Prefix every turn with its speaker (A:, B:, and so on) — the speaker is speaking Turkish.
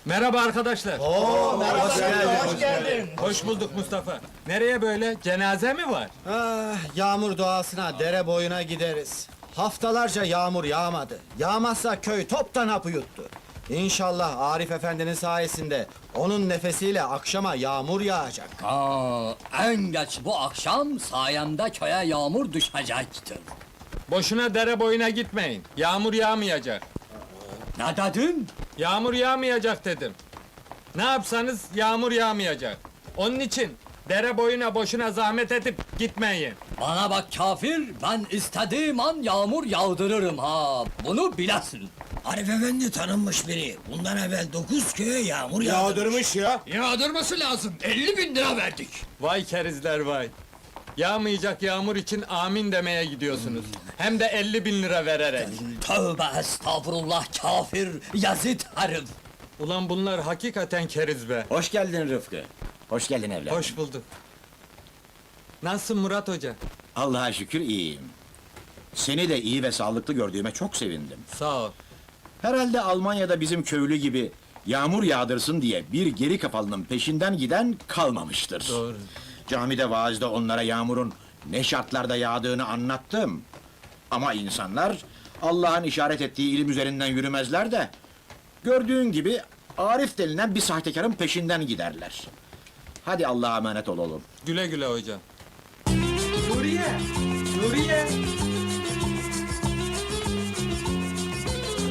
A: Merhaba arkadaşlar.
B: Merhaba,
C: Hoş geldin.
A: Hoş bulduk Mustafa. Nereye böyle? Cenaze mi var?
B: Yağmur doğasına, dere boyuna gideriz. Haftalarca yağmur yağmadı. Yağmazsa köy toptan hapı yuttu. İnşallah Arif Efendi'nin sayesinde onun nefesiyle akşama yağmur yağacak.
D: En geç bu akşam sayemde köye yağmur düşecektir.
A: Boşuna dere boyuna gitmeyin. Yağmur yağmayacak.
D: Ne dedin?
A: Yağmur yağmayacak dedim. Ne yapsanız yağmur yağmayacak. Onun için dere boyuna boşuna zahmet edip gitmeyin.
D: Bana bak kafir, ben istediğim an yağmur yağdırırım ha. Bunu bilesin.
C: Arif Efendi tanınmış biri. Bundan evvel 9 köye yağmur yağdı.
D: Yağdırması lazım. 50.000 lira verdik.
A: Vay kerizler vay. Yağmayacak yağmur için amin demeye gidiyorsunuz. Hem de 50.000 lira vererek.
D: Tövbe estağfurullah kafir, yazıt herif.
A: Ulan bunlar hakikaten keriz be.
E: Hoş geldin Rıfkı. Hoş geldin evladım.
A: Hoş bulduk. Nasılsın Murat Hoca?
E: Allah'a şükür iyiyim. Seni de iyi ve sağlıklı gördüğüme çok sevindim.
A: Sağ ol.
E: Herhalde Almanya'da bizim köylü gibi yağmur yağdırsın diye bir geri kafalının peşinden giden kalmamıştır.
A: Doğru.
E: Camide vaazda onlara yağmurun ne şartlarda yağdığını anlattım. Ama insanlar Allah'ın işaret ettiği ilim üzerinden yürümezler de gördüğün gibi Arif denilen bir sahtekarın peşinden giderler. Hadi Allah'a emanet ol oğlum.
A: Güle güle hocam.
F: Nuriye! Nuriye!